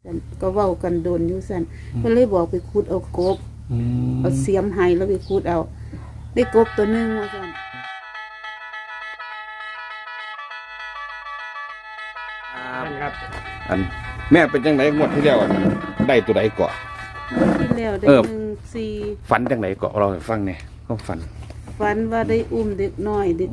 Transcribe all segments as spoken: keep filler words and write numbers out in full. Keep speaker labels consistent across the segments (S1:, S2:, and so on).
S1: ก็เว้ากันโดนอยู่สั่นเพิ่นเลยบอกไปขุดเอากบเอาเสียมให้แล้วไปขุดเอาได้กบตัวนึงว่าสั่น
S2: ครับ
S3: อันแม่เป็นจังได๋งวดที่แล้วอันได้ตัวใดเกาะ
S1: ที่แล้วได้หนึ่งสี่
S3: ฝันจังไดเกาะเราให้ฟังแหน่ก็ฝัน
S1: ฝันว่าได้อุ้มเด็กน้อยเด็ก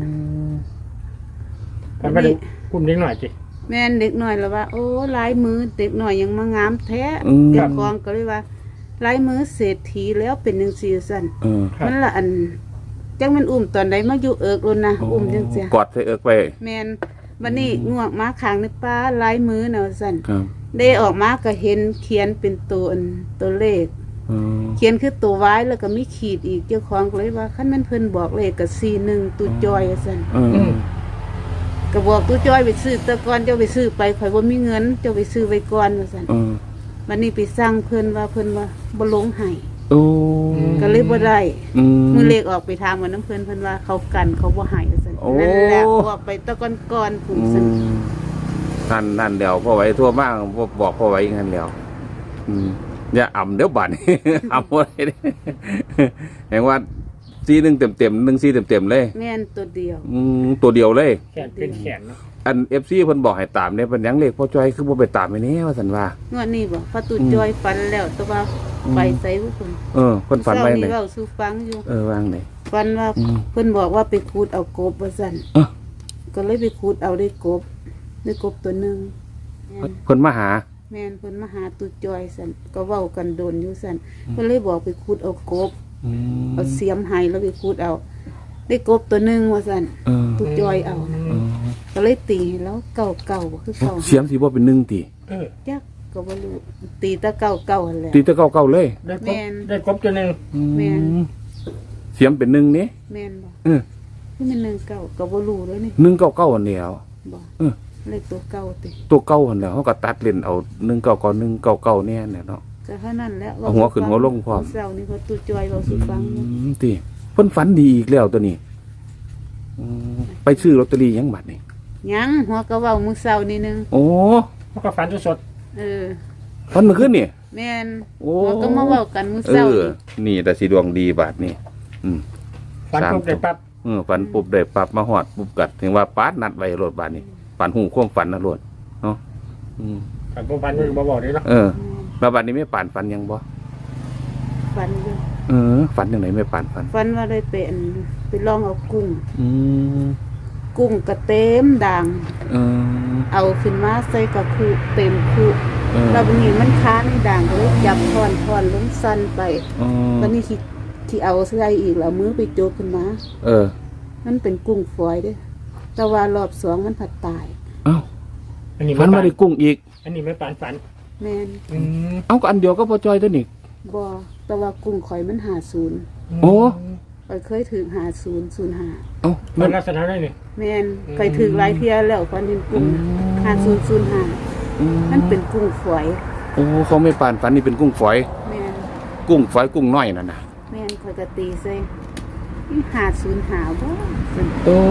S2: ฝันว่าได้อุ้มเด็กน้อยจิ
S1: แม่นเด็กน้อยแล้วว่าโอ้ลายมือเด็กน้อยยังมางามแท้เจ้าของก็เลยว่าลายมือเศรษฐีแล้วเป็นจังซี่ซั่นมันละอันจังมันอุ้มตอนใดมาอยู่เอิกโลนะอุ้มจังซี่
S3: กอดใส่เอิกไป
S1: แม่นบัดนี้งวกมาข้างในป้าลายมือน่ะซั่นได้ออกมาก็เห็นเขียนเป็นตัวอันตัวเลขเขียนคือตัวไว้แล้วก็มีขีดอีกเจ้าของก็เลยว่าคันมันเพิ่นบอกเลขก็สี่หนึ่งตู้จอยซั่นก็บอกตู้จอยไปซื้อแต่ก่อนเจ้าไปซื้อไปข่อยบ่มีเงินเจ้าไปซื้อไว้ก่อนว่าซั่นบัดนี้ไปสั่งเพิ่นว่าเพิ่นว่าบ่ลงให้
S3: โอ้
S1: ก็เลยบ่ได้มื้อเลขออกไปถามว่าน้ำเพิ่นเพิ่นว่าเขากันเขาบ่ให้ว่าซั่นนั่นแหละออกไปตะก่อนๆพุ่นซั่น
S3: นั่นนั่นเดี๋ยวพ่อไว้ทั่วมากพ่อบอกพ่อไว้งั้นแล้วอืมอย่าอ่ำเดี๋ยวบัดนี้อ่ำบ่ได้แห่งว่าซีหนึ่งเต็มเต็มหนึ่งซีเต็มเต็มเลย
S1: แม่นตัวเดียว
S3: อืมตัวเดียวเลย
S2: แขนเป็นแขนเนาะ
S3: อันเอฟซีเพิ่นบอกให้ตามเนี่ยเป็นยังเลขพ่อจ้อยคือบ่ไปตามไอ้นี่ว่าซั่นว่าง
S1: วดนี้บ่พอตู้จอยฝันแล้วแต่ว่าไปไสบ่เพิ่น
S3: เออเพิ่นฝันไว้ไหน
S1: เว้าสู่ฟังอยู่
S3: เออวางไหน
S1: ฝันว่าเพิ่นบอกว่าไปขุดเอากบว่าซั่นก็เลยไปขุดเอาได้กบได้กบตัวนึง
S3: เพิ่นมาหา
S1: แม่นเพิ่นมาหาตู้จอยซั่นก็เว้ากันโดนอยู่ซั่นเพิ่นเลยบอกไปขุดเอากบเอาเสียมให้แล้วไปขุดเอาได้กบตัวนึงว่าซั่นตู้จอยเอาก็เลยตีแล้วเก่าๆคือเก่า
S3: เสียมสิบ่เป็นหนึ่งติ
S1: เออจักก็บ่รู้ตีตะเก่าๆหั่นแหละ
S3: ตีตะเก่าๆเลย
S2: ได้กบได้กบตัวนึง
S1: แม่น
S3: เสียมเป็นหนึ่งนี่
S1: แม่นบ่เออคือมันหนึ่งเก่าก็บ่รู้เลยนี่
S3: หนึ่งเก่าๆอันเดียว
S1: บ่เออเลขตัวเก่าติ
S3: ตัวเก่าหั่นแหล้วเฮาก็ตัดเล่นเอาหนึ่งเก่าๆหนึ่งเก่าๆแน่เนี่ยเนาะ
S1: ก็เท่านั้นแหละ
S3: เอาหัวขึ้นหัวลงพร้อม
S1: เช้านี้เพิ่นตู้จอยเว้าสู่ฟัง
S3: อืมติเพิ่นฝันดีอีกแล้วตัวนี้ไปซื้อลอตเตอรี่ยังบัดนี่
S1: ยังหัวก็เว้ามื้อเช้านี่นึง
S3: โอ้
S2: เฮาก็ฝันสด
S1: เออ
S3: ฝันเมื่อคืนนี่
S1: แม่นโอ้ก็มาเว้ากันมื้อเช้า
S3: นี่แต่สิดวงดีบาดนี่อืม
S2: ฝันปุ๊บได้ปั๊บ
S3: เออฝันปุ๊บได้ปั๊บมาฮอดปุ๊บกัดถึงว่าปาดนัดไว้รถบาดนี่ฝันหูความฝันนะรถเนาะอืม
S2: ฝันบ่ฝันบ่บอกได้เนาะ
S3: เออแล้วบัดนี้ไม่ปานฝันยังบ่
S1: ฝันอยู่
S3: เออฝันจังได๋ไม่ปานฝัน
S1: ฝันว่าได้เป็นไปลองเอากุ้ง
S3: อืม
S1: กุ้งก็เต็มด่าง
S3: เออ
S1: เอาขึ้นมาใส่กับคุเต็มคุแล้วบัดนี้มันค้าในด่างก็เลยจับทอนๆลงสั่นไปบัดนี้ที่ที่เอาใส่อีกแล้วมือไปโจกขึ้นมา
S3: เออ
S1: มันเป็นกุ้งฝอยเด้แต่ว่ารอบสองมันผัดตาย
S3: อ้าวอันนี้มันมาได้กุ้งอีก
S2: อันนี้ไม่ปานฝัน
S1: แม่น
S3: อืมเอ้าก็อันเดียวก็พอจอยตัวนี้
S1: บ่แต่ว่ากุ้งข่อยมันห้าสิบ
S3: โอ้
S1: ข่อยเคยถึงห้าสิบ ศูนย์ห้า
S3: เอ้า
S2: มันลักษณะได้นี่
S1: แม่นเคยถึงหลายเที่ยแล้วฝันเห็นกุ้งห้าสิบ ศูนย์ห้ามันเป็นกุ้งฝอย
S3: โอ้เขาไม่ปานฝันนี่เป็นกุ้งฝอย
S1: แม่น
S3: กุ้งฝอยกุ้งน้อยนั่นน่ะ
S1: แม่นข่อยก็ตีใส่ห้าสิบห้าบ่
S3: โอ้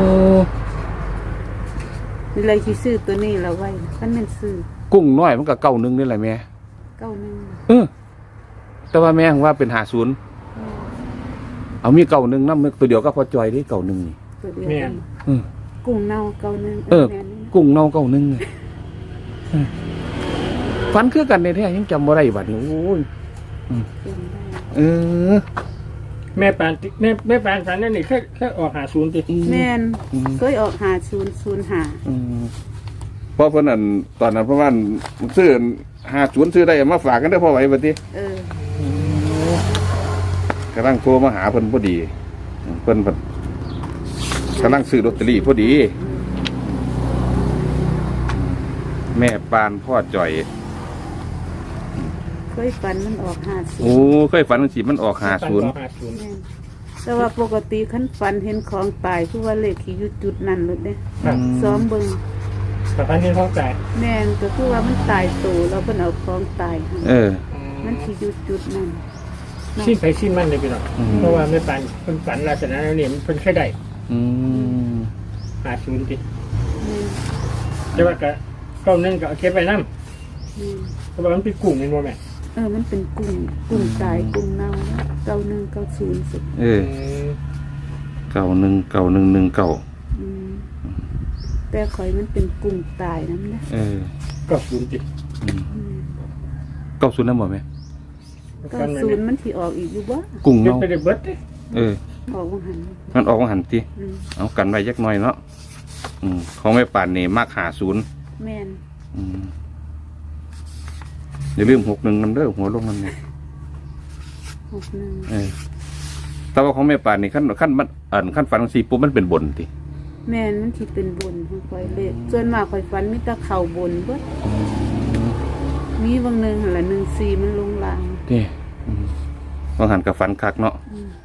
S1: นี่เลยสิซื้อตัวนี้แล้วไว้คันแม่นซื้อ
S3: กุ้งน้อยมันก็เก้าหนึ่งนี่แหละแม่
S1: เก้าหนึ่ง
S3: เออแต่ว่าแม่ว่าเป็นห้าสิบเอามีเก้าหนึ่งนำตัวเดียวก็พอจอยได้เก้าหนึ่งนี่
S1: ตัวเดียวกันอือกุ้งเน่าเก้าหนึ่ง
S3: เออกุ้งเน่าเก้าหนึ่งฝันคือกันในแท้ยังจำบ่ได้บัดนี้โอ้ยเออ
S2: แม่ปานแม่แม่ปานฝันนั่นนี่แค่แค่ออกหาศูนย์ติ
S1: แม่นเคยออกห้าสิบ ศูนย์ห้า
S3: อืมเพราะเพิ่นนั่นตอนนั้นเพราะว่าซื้อห้าสิบซื้อได้มาฝากกันได้พอไหวบัดนี้เออกำลังโทรมาหาเพิ่นพอดีเพิ่นกำลังซื้อลอตเตอรี่พอดีแม่ปานพ่อจ่อย
S1: เคยฝันมันออกห้าสิบ
S3: โอ้เคยฝันมันสิมันออกห้าสิบ
S1: แต่ว่าปกติคันฝันเห็นของตายคือว่าเลขที่อยู่จุดนั้นเลยเด้ซ้อมเบิ่ง
S2: แต่ฝันเห็นของตาย
S1: แม่นก็คือว่ามันตายโตแล้วเพิ่นเอาของตาย
S3: เออ
S1: มันสิอยู่จุดนั้น
S2: สิ้นไปสิ้นมันเลยพี่น้องเพราะว่าแม่ปานเพิ่นฝันลักษณะนั้นนี่มันเพิ่นแค่ได้
S3: อืม
S2: ห้าสิบติแต่ว่าก็เก้าหนึ่งก็เก็บไว้นำ
S1: อืม
S2: แต่ว่ามันเป็นกลุ่มเป็นโมแม่
S1: เออมันเป็นกุ้งกุ้งตายกุ้งเน่าแล้วเก้าหนึ่งเก้าศูนย์สิ
S3: เออเก่าหนึ่งเก่าหนึ่งหนึ่งเก่า
S1: อืมแต่ข่อยมันเป็นกุ้งตายนั่นนะ
S3: เออ
S2: ก็ศูนย์จิต
S3: อืม
S1: อืม
S3: เก้าศูนย์นั่นบ่แม่
S1: เก้าศูนย์มันที่ออกอีกอยู่บ่
S3: กุ้ง
S2: เป็น
S3: เนาะ
S2: ไปได้เบิดเด้
S3: เออ
S1: ออกว่าหัน
S3: มันออกมาหันติ
S1: อืม
S3: เอากันไว้ยักหน่อยเนาะอืมของแม่ป่านนี่มากหาศูนย์
S1: แม่น
S3: อืมอย่าลืมหกหนึ่งนำเด้อหัวลงนั่นเนี่ย
S1: หกหนึ่ง
S3: เออแต่ว่าของแม่ป่านนี่ขั้นขั้นมันอ่านขั้นฝันสี่ปุ๊บมันเป็นบนติ
S1: แม่นมันที่เป็นบนของข่อยเลยส่วนมากข่อยฝันมีแต่เข่าบนเบิดมีบางหนึงหั่นละหนึ่งสี่มันลงล่าง
S3: เด้อืมบางหันกับฝันคักเนาะ
S1: อืม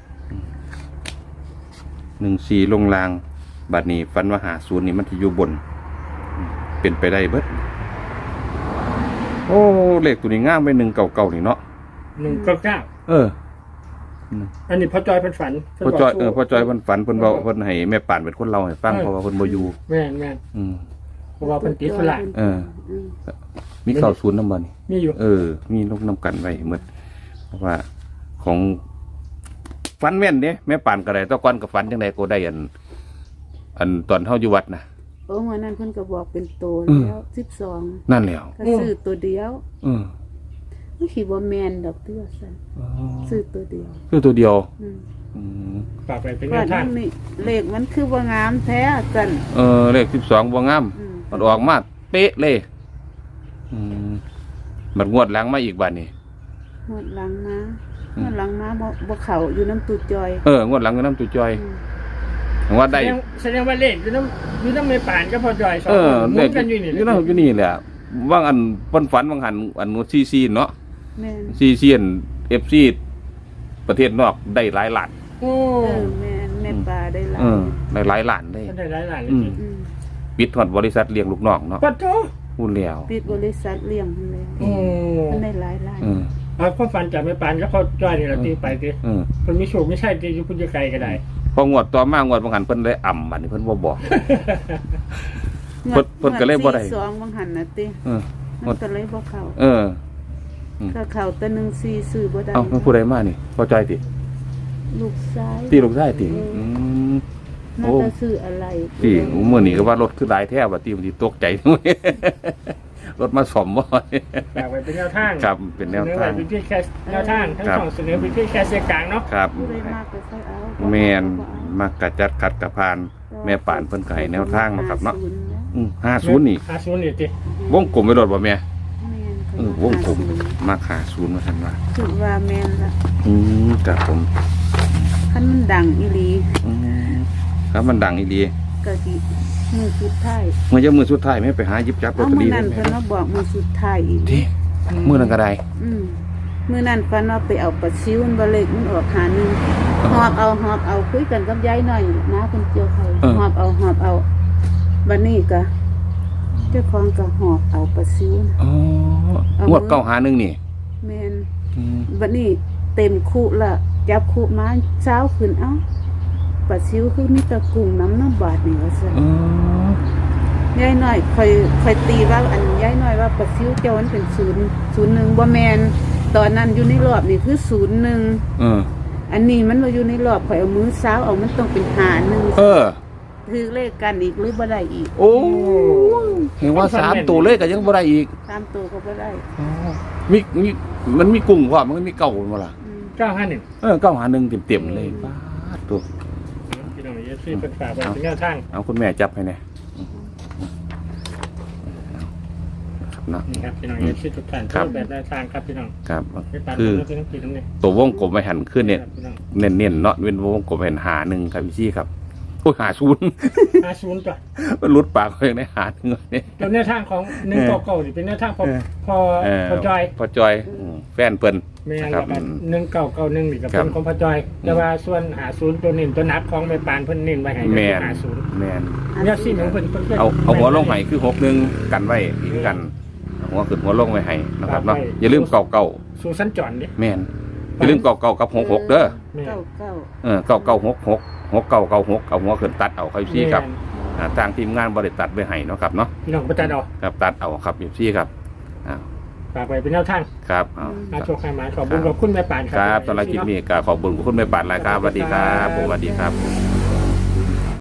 S3: หนึ่งสี่ลงลางบัดนี้ฝันว่าหาศูนย์นี่มันที่อยู่บนอืมเป็นไปได้เบิดโอ้เลขตัวนี้ง่ามไปหนึ่งเก่าๆนี่เนาะ
S2: หนึ่งเก้าเก้า
S3: เออ
S2: อันนี้พ่อจอยเพิ่นฝัน
S3: พ่อจอยเออพ่อจอยเพิ่นฝันเพิ่นเว้าเพิ่นให้แม่ป่านเป็นคนเล่าให้ฟังเพราะว่าเพิ่นบ่อยู่
S2: แม่นแม่น
S3: อืม
S2: เพราะว่าเพิ่นติดฝรั่ง
S3: เออ
S1: อืม
S3: มีเก่าศูนย์นำบ่นี่
S2: มีอยู่
S3: เออ มีลงนำกันไว้หมดเพราะว่าของฝันแม่นเด้แม่ป่านก็ได้แตะก่อนก็ฝันจังไดก็ได้อัน อันตอนเฮาอยู่วัดน่ะ
S1: โอ้วันนั้นเพิ่นก็บอกเป็นโต
S3: อืม
S1: แล้วสิบสอง
S3: นั่นแหล้ว
S1: ก็ซื้อตัวเดียว
S3: เออ
S1: ไม่คิดว่าแมนดอกเตื้อสันซื้อตัวเดียว
S3: คือตัวเดียว
S1: อืม
S3: อืม
S2: ฝากไปเป็น
S1: ว่า
S2: แนวทา
S1: นั่
S2: ง
S1: นนี่เลขมันคือว่างามแท้สัน
S3: เออเลขสิบสองบ่งาม
S1: อืม
S3: มันออกมาเป๊ะเลย อืมมันงวดหลังมาอีกบัดนี้
S1: หมดหลังมา
S3: อืม
S1: หมดหลังมาบ่บ่เข่าอยู่น้ำตูจอย
S3: เอองวดหลังก็น้ำตุจอย
S1: อืม
S3: ว่าได้
S2: แสดงแสดงว่าเลขอยู่น้ำอยู่น้ำในป่านก็พ่อจอยสอง
S3: เอ
S2: ค
S3: อน
S2: หมุ
S3: เลข
S2: นกันอยู่นี่
S3: อยู่นั่นอยู่นี่แหละว่างอันเพิ่นฝันว่างหันอันซีซีเนาะ
S1: แม่น
S3: ซีซีอัน เอฟ ซี ประเทศนอกได้หลายล้าน
S2: โอ้
S1: เออแม่นแม่ปลาได้หลา
S3: เอย อได้หลายล้านได้
S2: มันได้หลายหลายเลย
S3: อืม
S2: สิ
S1: อืม
S3: ปิดฮอดบริษัทเลี้ยงลูกน้องเนาะ
S2: ปัดโต
S3: พูดแล้ว
S1: ปิดบริษัทเลี้ยงมันเลย
S2: โอ้
S1: มันได้หลายล้าน
S3: เออ
S2: เอาความฝันจากแม่ปานก็พ่อจอยนี่เราตีไปดิ
S3: เออ
S2: มันมีโชคไม่ใช่ตีอยู่พุ่นไกลก็ได้
S3: พองวดต่อมางวดบางหันเพิ่นได้อ่ำบัดนี้เพิ่นบ่บอก เพิ่นเพิ่นก็เลยบ่ได้
S1: งวสี่สองบางหันน่ะติ
S3: เออ
S1: มันก็เลยบ่เข้า
S3: เออ
S1: ถ้าเข้าแต่หนึ่งสี่ซื้อบ่ได้
S3: เอ้ามันผู้ใดมานี่พอใจติ
S1: ลูกซ้าย
S3: ตีลูกชายติอืม
S1: น่า
S3: โอ้
S1: จะซื้ออะไร
S3: ตีเมื่อนี้ก็ว่ารถคือหลายแท้ว่าตีมันสิตกใจ รถมาซ่อมบ่
S2: ฝากไว้เป็นแนวทาง
S3: ครับเป็นแนวทาง
S2: เสนอไว้เป็นเพียงแค่แนวทางทั้ง
S3: ครับ
S2: สองเสนอเป็นเพียงแค่เสียงกลางเนาะ
S3: ครับ
S1: ผู้ใดมากก็ค่อยเอา
S3: แม่นมากกะจัดขัดกะพาน แม่ป่านเพิ่นก็ให้แนวทางเนาะครับเนาะ อืมห้าศูนย์นี่
S2: ห้าศูนย์นี่ติ
S3: วงกลมไปรถบ่แม่
S1: แม่น
S3: เออวงกลมมาหาศูนย์มาทันว่า
S1: คือว่าแม่นละ
S3: อืมครับผม
S1: คันมันดังอีหลี
S3: อืมครับมันดังอีดี
S1: ก็สิมือสุดท้าย
S3: เมื่อจะมือสุดท้ายแม่ไปหาหยิบจับลอต
S1: เอา
S3: เตอ
S1: มื้อ
S3: รี่
S1: นั้น
S3: ได้
S1: เพิ่น
S3: แม่
S1: มาบอกมือสุดท้ายอีก
S3: ที่มือนั้นก็ได้
S1: อืมมื้อนั้นฝันว่าไปเอาปลาซิวมันบ่เล็กมันออกหาหนึงหอบเอาหอบเอาคุยกันกับยายหน่อยนะเพิ่นเจียวเขาหอบเอาหอบเอาบัดนี้ก็เจ้าของก็หอบเอาปลาซิวนะ
S3: อ๋อ
S1: เอา
S3: ง
S1: มื
S3: ว
S1: อ
S3: ดเก้าหาหนึ่งนี่
S1: แม่น
S3: อืม
S1: บัดนี้เต็มคุละจับคุมาเช้าขึ้นเอ้าปลาซิวคือมีแตะกุ้งน้ำน้ำบาดนี่ว่าซั่น
S3: อ๋อย
S1: ายน้อยค่อยค่อยตีว่าอันยายน้อยว่าปลาซิวเจ้ามันเป็นศูนย์ศูนย์หนึ่งบ่แม่นตอนนั้นอยู่ในรอบนี่คือศูนย์หนึ่ง
S3: เออ
S1: อันนี้มันบ่อยู่ในรอบข่อยเอามือเช้าเอามันต้องเป็นหาหนึ่ง
S3: เออ
S1: ถือเลขกันอีกหรือบ่ได้อีก
S3: โอ้เห็นว่าสามตัวเลขก็ยังบ่ได้อีก
S1: ตามตัวก็บ่ได้
S3: มีมีมันมีกุ้งพร้อมมันก็มีเก่าบ่ล่ะ
S1: อืม
S2: เก้าห้าหนึ่ง
S3: เออเก้าหาหนึ่งเต็มๆเลยป้าดตัว
S2: พี่น้องเอฟซีเปิดฝากไว้เป็นแนวทาง
S3: เอาคุณแม่จับให้แน่ครับเนาะ
S2: นี่ครับพี่น้องเอฟซีทุกท่าน
S3: ครับ
S2: แบบแนวทางครับพี่น้อง
S3: ครับ
S2: ไม่ปาน
S3: คือ
S2: เราเป็นทั้งปีทั้งนี้
S3: ตัววงกลมไปหันขึ้นเนี่ย
S2: ครับพี่น้อง
S3: เน้นๆเนาะเป็นวงกลมเห็นหาหนึ่งครับพี่ชี่ครับโอ้ยหาศูนย์
S2: ห้าศูนย์จ้ะ
S3: มันหลุดปากเขาอย่างได้หาหนึ่งเนี่ย
S2: ตัวแนวทางของหนึ่งเก่าเก่านี่เป็นแนวทางพอ
S3: เออ
S2: พอ
S3: เออ
S2: พอจอย
S3: พอจอยอืมแฟนเปิ้น
S2: แม่
S3: นะ
S2: น
S3: ค
S2: กั
S3: รั
S2: บบ
S3: อืม
S2: หนึ่งเก่าเก่าหนึ่งนี่กับ
S3: ครั
S2: เป็
S3: บ
S2: นของพอจอย แต่ว่าส่วนหาศูนย์ตัวนี้ตัวนับของแม่ปานเพิ่นเน้นไว้ให้
S3: แมน
S2: หาศูนย์
S3: แมน
S2: เนี่ยสิของเพิ่นเพิ่น
S3: เอาเอาหัวลงไห้คือหกหนึ่งกันไว้อีกกันเอาหัวขึ้นหัวลงไว้ให้นะครับเนาะอย่าลืมเก่าเก่า
S2: สู่สัญจรดิ
S3: แมนอย่าลืมเก่าเก่ากับหกหกเด้อ
S2: แม่น
S1: เก้าเก้า
S3: เออเก่าเก่าหกหกหกเก่าเก่าหกเอาหัวขึ้นตัดเอาครับพี่ครับอ่าทางทีมงานบริตัดไว้ให้เนาะครับเนาะ
S2: พี่น้องประจันเอา
S3: ครับตัดเอาครับพี่ครับอ่า
S2: ฝากไว้เป็นแนวทาง
S3: ครับเอา
S2: อาโชคให้มาขอบคุณขอบคุณแม่ปานครั
S3: ครับสำหรับคลิปนี้ก็ขอบคุณคุณแม่ปานหลายครับสวัสดีครับผมสวัสดีครับ